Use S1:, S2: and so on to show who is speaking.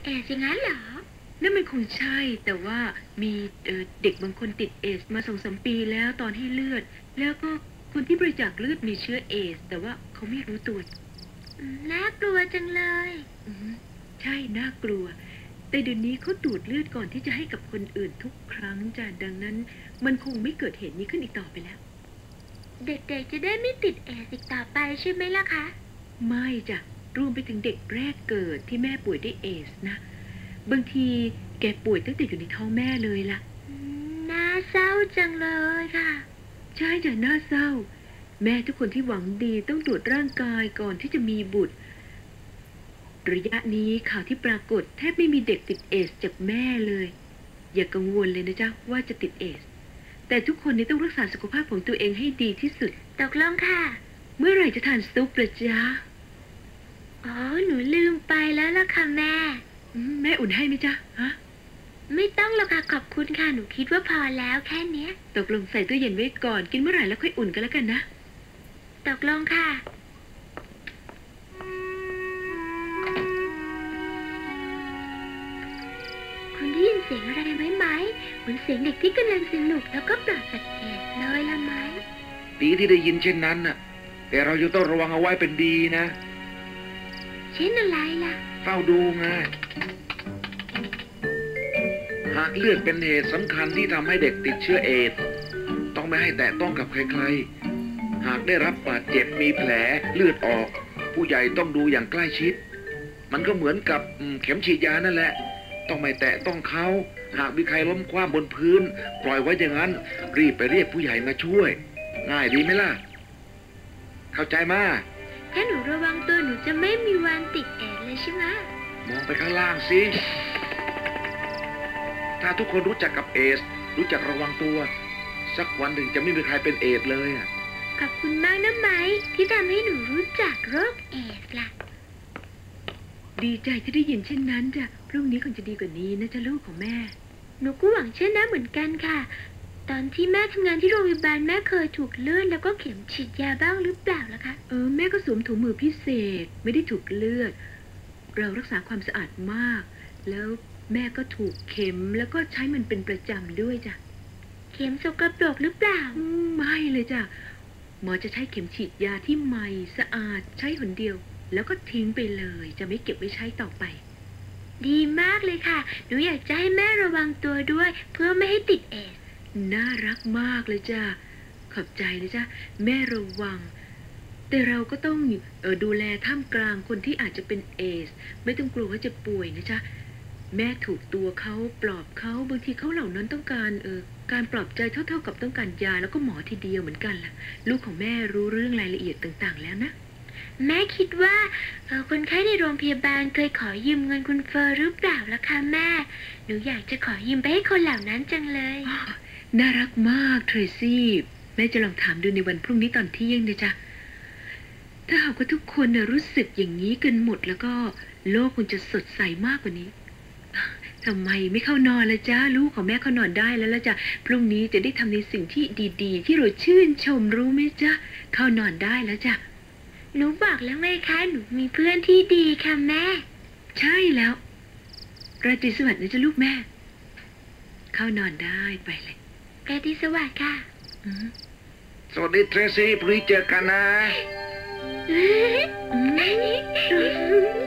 S1: เอสอย่างนั้นเหรอ
S2: นั่นมันคงใช่แต่ว่ามีเด็กบางคนติดเอสมา2-3 ปีแล้วตอนให้เลือดแล้วก็คนที่บริจาคเลือดมีเชื้อเอสแต่ว่าเขาไม่รู้ตัว
S1: น่ากลัวจังเลย
S2: ใช่น่ากลัวแต่เดี๋ยวนี้เขาตรวจเลือดก่อนที่จะให้กับคนอื่นทุกครั้งจ้ะดังนั้นมันคงไม่เกิดเหตุนี้ขึ้นอีกต่อไปแล้ว
S1: เด็กๆจะได้ไม่ติดเอสอีกต่อไปใช่ไหมล่ะคะ
S2: ไม่จ้ะรวมไปถึงเด็กแรกเกิดที่แม่ป่วยด้วยเอสนะบางทีแกป่วยตั้งแต่อยู่ในท้องแม่เลยล่ะ
S1: น่าเศร้าจังเลยค่ะ
S2: ใช่จ้ะน่าเศร้าแม่ทุกคนที่หวังดีต้องตรวจร่างกายก่อนที่จะมีบุตรระยะนี้ข่าวที่ปรากฏแทบไม่มีเด็กติดเอสจากแม่เลยอย่ากังวลเลยนะจ๊ะว่าจะติดเอสแต่ทุกคนนี้ต้องรักษาสุขภาพของตัวเองให้ดีที่สุด
S1: ตกลงค่ะ
S2: เมื่อไหร่จะทานซุปล่ะจ๊ะ
S1: อ๋อหนูลืมไปแล้วล่ะค่ะแม่
S2: แม่อุ่นให้ไหมจ๊ะฮะ
S1: ไม่ต้องหรอกค่ะขอบคุณค่ะหนูคิดว่าพอแล้วแค่เนี้ย
S2: ตกลงใส่ตู้เย็นไว้ก่อนกินเมื่อไหร่แล้วค่อยอุ่นกันแล้วกันนะ
S1: ตกลงค่ะคุณได้ยินเสียงอะไรไหมเหมือนเสียงเด็กที่กำลังสนุกแล้วก็ปลอดจากเอสเลยละไหม
S3: ดีที่ได้ยินเช่นนั้นน่ะแต่เรายังต้องระวังเอาไว้เป็นดีนะ
S1: เช่นอะไรล่ะ
S3: เฝ้าดูไงหากเลือดเป็นเหตุสำคัญที่ทำให้เด็กติดเชื้อเอดส์ต้องไม่ให้แตะต้องกับใครๆหากได้รับบาดเจ็บมีแผลเลือดออกผู้ใหญ่ต้องดูอย่างใกล้ชิดมันก็เหมือนกับเข็มฉีดยานั่นแหละต้องไม่แตะต้องเขาหากมีใครล้มคว่ำบนพื้นปล่อยไว้อย่างนั้นรีบไปเรียกผู้ใหญ่มาช่วยง่ายดีไหมล่ะเข้าใจมา
S1: ถ้าหนูระวังตัวหนูจะไม่มีวันติดเอดส์เลยใช่ไหม
S3: มองไปข้างล่างสิถ้าทุกคนรู้จักกับเอดส์รู้จักระวังตัวสักวันหนึ่งจะไม่มีใครเป็นเอดส์เลยอ่ะ
S1: ขอบคุณมากนะไหมที่ทำให้หนูรู้จักโรคเอดส์ล่ะ
S2: ดีใจที่ได้ยินเช่นนั้นจ้ะพรุ่งนี้คงจะดีกว่านี้นะจ๊ะลูกของแม่
S1: หนูก็หวังเช่นนั้นเหมือนกันค่ะตอนที่แม่ทำงานที่โรงพยาบาลแม่เคยถูกเลือดแล้วก็เข็มฉีดยาบ้างหรือเปล่าล่ะคะ
S2: แม่ก็สวมถุงมือพิเศษไม่ได้ถูกเลือดเรารักษาความสะอาดมากแล้วแม่ก็ถูกเข็มแล้วก็ใช้มันเป็นประจำด้วยจ้ะ
S1: เข็มสกปรกหรือเปล่า
S2: ไม่เลยจ้ะหมอจะใช้เข็มฉีดยาที่ใหม่สะอาดใช้หนเดียวแล้วก็ทิ้งไปเลยจะไม่เก็บไว้ใช้ต่อไป
S1: ดีมากเลยค่ะหนูอยากจะให้แม่ระวังตัวด้วยเพื่อไม่ให้ติดเอดส์
S2: น่ารักมากเลยจ้ะขอบใจนะจ๊ะแม่ระวังแต่เราก็ต้องดูแลท่ามกลางคนที่อาจจะเป็นเอดส์ไม่ต้องกลัวว่าจะป่วยนะจ๊ะแม่ถูกตัวเขาปลอบเขาบางทีเขาเหล่านั้นต้องการการปลอบใจเท่าๆกับต้องการยาแล้วก็หมอทีเดียวเหมือนกันล่ะลูกของแม่รู้เรื่องรายละเอียดต่างๆแล้วนะ
S1: แม่คิดว่าคนไข้ในโรงพยาบาลเคยขอยืมเงินคุณเฟอร์หรือเปล่าล่ะคะแม่หนูอยากจะขอยืมไปให้คนเหล่านั้นจังเลย
S2: น่ารักมากเทรซี่แม่จะลองถามดูในวันพรุ่งนี้ตอนเที่ยงนะจ๊ะถ้าหากว่าทุกคนรู้สึกอย่างนี้กันหมดแล้วก็โลกคงจะสดใสมากกว่านี้ทำไมไม่เข้านอนละจ๊ะลูกของแม่เข้านอนได้แล้วละจ๊ะพรุ่งนี้จะได้ทำในสิ่งที่ดีๆที่เราชื่นชมรู้ไหมจ๊ะเข้านอนได้แล้วจ้ะ
S1: หนูบอกแล้วไงคะหนูมีเพื่อนที่ดีค่ะแม่
S2: ใช่แล้วราตรีสวัสดิ์นะจ๊ะลูกแม่เข้านอนได้ไปเลย
S1: ราตรีสวัสดิ์ค่ะ
S3: สวัสดีเทรซี่พรุ่งนี้เจอกันนะ